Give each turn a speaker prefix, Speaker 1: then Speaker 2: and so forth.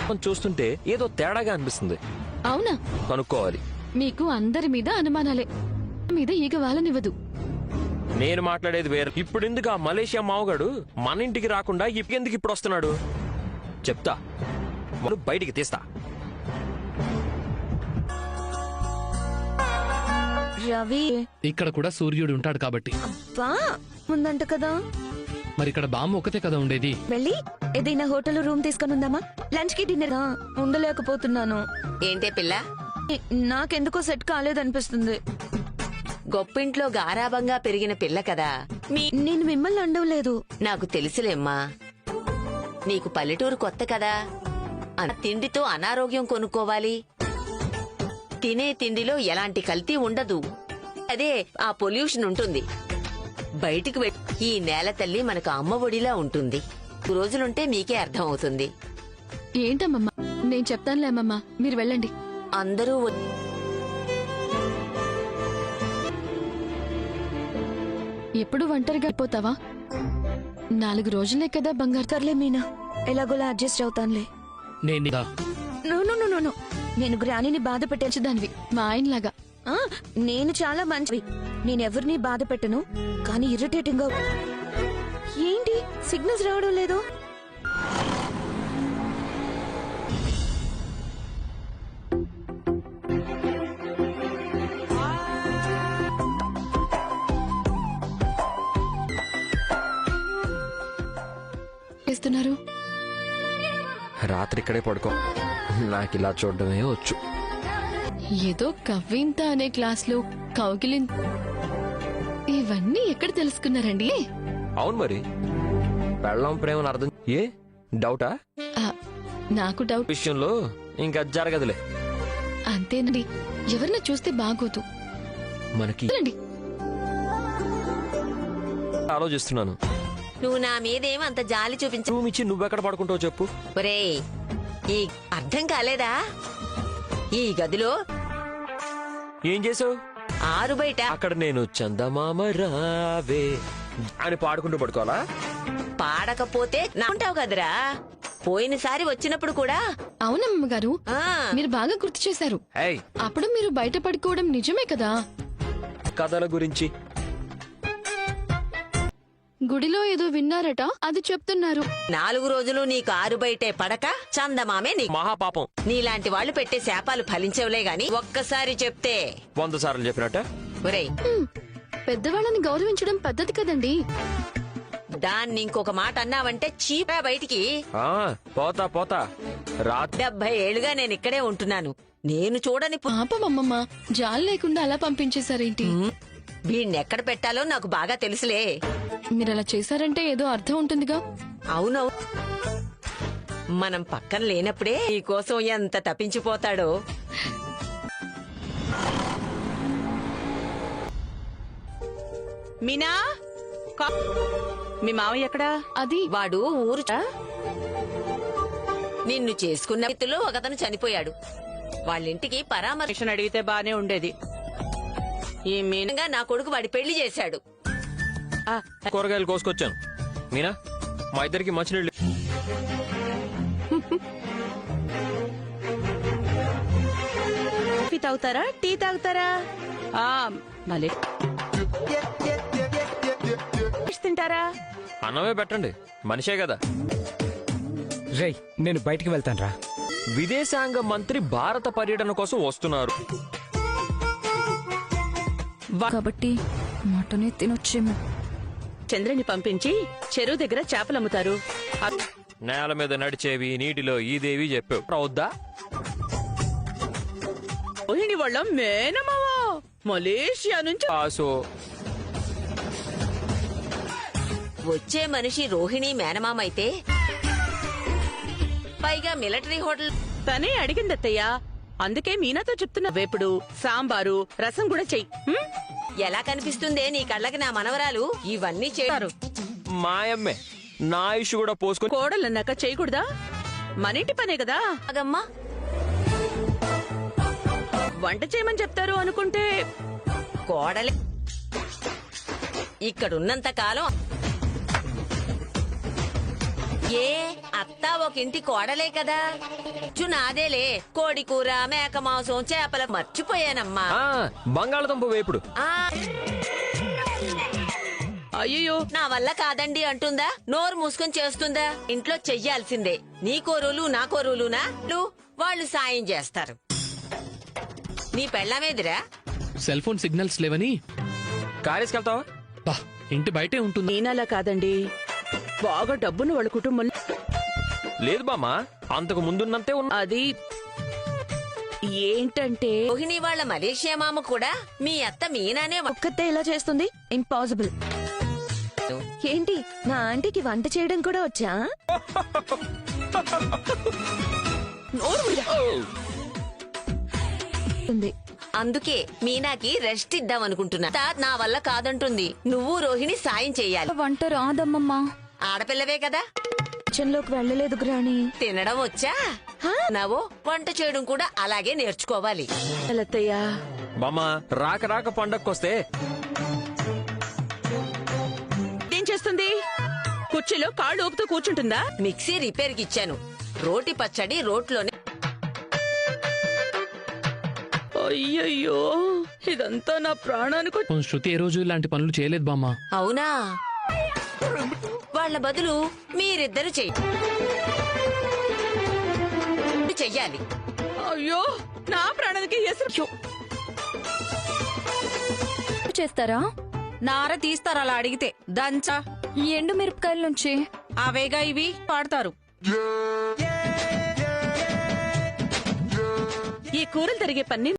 Speaker 1: చూస్తుంటే ఏదో తేడాగా అనిపిస్తుంది.
Speaker 2: అవునా?
Speaker 1: కనుక్కోవాలి.
Speaker 2: మీకు అందరి మీద అనుమానాలే, మీద ఈగ వాళ్ళనివ్వదు.
Speaker 1: నేను మాట్లాడేది వేరు. ఇప్పుడు ఎందుకు ఆ మలేషియా మావగాడు మన ఇంటికి రాకుండా ఎందుకు ఇప్పుడు వస్తున్నాడు చెప్తా. వాళ్ళు బయటికి తీస్తా.
Speaker 3: రవి
Speaker 4: ఇక్కడ కూడా సూర్యుడు ఉంటాడు కాబట్టి.
Speaker 3: అబ్బా ఉందంట కదా.
Speaker 4: మరి ఇక్కడ బామ్మ ఒకతే కదా ఉండేది.
Speaker 3: వెళ్ళి ఏదైనా హోటల్ రూమ్ తీసుకొని ఉందామా? లంచ్ కి డిన్నర్ ఉండలేకపోతున్నాను.
Speaker 5: ఏంటే పిల్ల,
Speaker 3: నాకెందుకో సెట్ కాలేదనిపిస్తుంది.
Speaker 5: గొప్పింట్లో గారాబంగా పెరిగిన పిల్ల కదా.
Speaker 3: నేను మిమ్మల్ని అండవలేదు.
Speaker 5: నాకు తెలుసులేమ్మా, నీకు పల్లెటూరు కొత్త కదా. తిండితో అనారోగ్యం కొనుక్కోవాలి. తినే తిండిలో ఎలాంటి కల్తీ ఉండదు. అదే ఆ పొల్యూషన్ ఉంటుంది. బయటికి ఈ నేల తల్లి మనకు అమ్మ ఒడిలా ఉంటుంది. రోజులుంటే మీకే అర్థం అవుతుంది.
Speaker 2: ఏంటమ్మమ్మా, నేను చెప్తానులే అమ్మమ్మా, మీరు వెళ్ళండి.
Speaker 5: అందరూ
Speaker 2: ఎప్పుడు ఒంటరిగా అయిపోతావా? 4 రోజులే కదా బంగారు.
Speaker 3: సర్లే మీనా, ఎలాగోలా అడ్జస్ట్ అవుతానులే.
Speaker 4: నేను
Speaker 3: నో, నేను గ్రానీని బాధ
Speaker 2: దానివి మా ఆయనలాగా.
Speaker 3: నేను చాలా మంచివి. నేనెవరిని బాధ పెట్టను, కానీ ఇరిటేటింగ్ గా. ఏంటి సిగ్నల్స్ రావడం లేదు?
Speaker 2: చేస్తున్నారు?
Speaker 1: రాత్రి ఇక్కడే పడుకో. నాకు ఇలా చూడడమే వచ్చు.
Speaker 2: ఏదో కవ్వింత అనే క్లాస్లో కౌగిలిం, ఇవన్నీ ఎక్కడ తెలుసుకున్నారండి?
Speaker 1: అవును మరి, పెళ్ళం ప్రేమను అర్థం ఏ డౌటా?
Speaker 2: నాకు డౌట్
Speaker 1: విషయంలో ఇంకా జరగదులే.
Speaker 2: అంతేనండి, ఎవరిని చూస్తే బాగోదు.
Speaker 1: మనకి ఆలోచిస్తున్నాను.
Speaker 5: నువ్వు నా మీదేం అంత జాలి చూపించు.
Speaker 1: రూమ్ ఇచ్చి నువ్వెక్కడ పడుకుంటావు చెప్పు.
Speaker 5: ఒరేయ్, ఈ అర్థం కాలేదా? ఈ గదిలో
Speaker 1: ఏం చేసావు?
Speaker 5: ఆరు బయట
Speaker 1: అక్కడ నేను చందమామ రావే అని పాడుకుంటూ పడుకోవాలా?
Speaker 5: పాడకపోతే నాంటావు కదరా. పోయినసారి వచ్చినప్పుడు కూడా.
Speaker 2: అవునమ్మ గారు,
Speaker 5: ఆ
Speaker 2: మీరు బాగా గుర్తు చేశారు.
Speaker 1: ఏయ్,
Speaker 2: అప్పుడు మీరు బయట పడుకోవడం నిజమే కదా.
Speaker 1: కథల గురించి
Speaker 2: గుడిలో ఏదో విన్నారట, అది చెప్తున్నారు.
Speaker 5: 4 రోజులు నీకు ఆరు బయటే పడక చందమామే నీ
Speaker 1: మహాపాపం.
Speaker 5: నీలాంటి వాళ్ళు పెట్టే శాపాలు ఫలించవులే గాని ఒక్కసారి చెప్తే
Speaker 1: 100 సార్లు చెప్పినట్ట.
Speaker 5: ఒరేయ్,
Speaker 2: పెద్దవాళ్ళని గౌరవించడం పద్ధతి కదండి.
Speaker 5: దాన్ని ఇంకొక మాట అన్నావంటే చీపా బయటికి.
Speaker 1: పోతా రాత్రి
Speaker 5: 70 ఏళ్లుగా నేను ఇక్కడే ఉంటున్నాను. నేను చూడని
Speaker 2: పాపమమ్మమ్మ, జాలి లేకుండా అలా పంపించేశారేంటి?
Speaker 5: వీణ్ణెక్కడ పెట్టాలో నాకు బాగా తెలుసులే.
Speaker 2: మీరు అలా చేశారంటే ఏదో అర్థం ఉంటుందిగా.
Speaker 5: అవునవు, మనం పక్కన లేనప్పుడే ఈ కోసం ఎంత తప్పించిపోతాడో.
Speaker 6: మీనా, మీ మావయ్య ఎక్కడా?
Speaker 2: అది
Speaker 5: వాడు ఊరు నిన్ను చేసుకున్న వ్యక్తిలో ఒకతను చనిపోయాడు. వాళ్ళింటికి పరామర్శ
Speaker 6: అడిగితే బానే ఉండేది. ఈ మీనంగా
Speaker 5: నా కొడుకు వాడి పెళ్లి చేశాడు.
Speaker 1: కూరగాయలు కోసుకొచ్చాను. మీనా, మా ఇద్దరికి మంచినీళ్ళు.
Speaker 6: కాఫీ తాగుతారా, టీ తాగుతారా? మళ్ళీ తింటారా?
Speaker 1: అన్నమే పెట్టండి, మనిషే కదా.
Speaker 7: రేయ్, నేను బయటికి వెళ్తాను రా.
Speaker 1: విదేశాంగ మంత్రి భారత పర్యటన కోసం వస్తున్నారు
Speaker 3: కాబట్టి మటనే తినొచ్చేమో.
Speaker 6: చంద్రని పంపించి చెరువు దగ్గర చేపలమ్ముతారు.
Speaker 1: నేల మీద నడిచేవి, నీటిలో ఈదేవి చెప్పావు. అవుద్దా?
Speaker 6: రోహిణి వాళ్ళ మేనమావా మలేషియా నుంచి.
Speaker 5: వచ్చే మనిషి రోహిణి మేనమామైతే పైగా మిలిటరీ హోటల్.
Speaker 6: తనే అడిగిందత్తయ్య, అందుకే మీనాతో చెప్తున్నా. వేపుడు, సాంబారు, రసం కూడా చెయ్యి.
Speaker 5: ఎలా కనిపిస్తుందే నీ కళ్ళకి నా మనవరాలు? ఇవన్నీ చేస్తారు
Speaker 1: మాయమ్మే. నా ఇష్యూ కూడా పోసుకొని
Speaker 6: కోడలన్నాక చేయకూడదా? మనింటి పనే కదా.
Speaker 5: అగమ్మా,
Speaker 6: వంట చేయమని చెప్తారు అనుకుంటే
Speaker 5: కోడలి ఇక్కడున్నంత కాలం ఏ అత్త ఒక ఇంటి కోడలే కదా. నాదేలే, కోడి కూర, మేక మాంసం, చేపల మర్చిపోయానమ్మా.
Speaker 1: ఆ బంగాళదుంప వేపుడు.
Speaker 5: ఆ
Speaker 6: అయ్యో
Speaker 5: నా వల్ల కాదండి అంటుందా? నోరు మూసుకొని చేస్తుందా? ఇంట్లో చెయ్యాల్సిందే. నీ కోరులు నా కోరులునా? వాళ్ళు సాయం చేస్తారు. నీ పెళ్ళామేదిరా?
Speaker 4: సెల్ ఫోన్ సిగ్నల్స్ లేవని
Speaker 1: కారేసుకెళ్తావా?
Speaker 4: బా, ఇంటి బయటే ఉంటుంది.
Speaker 6: మీనలా కాదండి, బాగా డబ్బును వాళ్ళ కుటుంబంలో.
Speaker 1: లేదు బామ్మ, అంతకు ముందున్నంతే ఉన్నా.
Speaker 6: అది ఏంటంటే
Speaker 5: రోహిణి వాళ్ళ మలేషియా మామ కూడా మీ అత్త మీనానే
Speaker 3: ఒక్కతే ఇలా చేస్తుంది? ఇంపాసిబుల్. ఏంటి, నా ఆంటీకి వంట చేయడం కూడా వచ్చా? ఉంది.
Speaker 5: అందుకే మీనాకి రెస్ట్ ఇద్దాం అనుకుంటున్నా. నా వల్ల కాదంటుంది. నువ్వు రోహిణి సాయం చెయ్యాలి.
Speaker 3: వంట రాదమ్మమ్మా.
Speaker 5: ఆడపిల్లవే కదా,
Speaker 3: కిచెన్ లోకి వెళ్ళలేదు గ్రాని.
Speaker 5: తినడం వచ్చా? నవో వంట చేయడం కూడా అలాగే నేర్చుకోవాలి.
Speaker 6: లతయ్య,
Speaker 1: బామ్మ, రాక రాక పండక్కొస్తే
Speaker 6: ఏం చేస్తుంది? కుర్చీలో కాళ్ళు ఊపుతూ కూర్చుంటుందా?
Speaker 5: మిక్సీ రిపేర్ కి ఇచ్చాను. రోటి పచ్చడి రోట్లోనే.
Speaker 6: అయ్యయ్యో, ఇదంతా నా ప్రాణానికి.
Speaker 4: శృతి ఏ రోజు ఇలాంటి పనులు చేయలేదు బామ్మ.
Speaker 5: అవునా? వాళ్ళ బదులు మీరిద్దరు చెయ్యాలి.
Speaker 6: అయ్యో, నా ప్రాణానికి ఎసరు.
Speaker 3: చేస్తారా?
Speaker 8: నార తీస్తారు అలా అడిగితే. దంచా
Speaker 3: ఈ ఎండు మిరపకాయల నుంచి
Speaker 8: అవేగా ఇవి పాడతారు.
Speaker 6: ఈ కూరలు తరిగే పని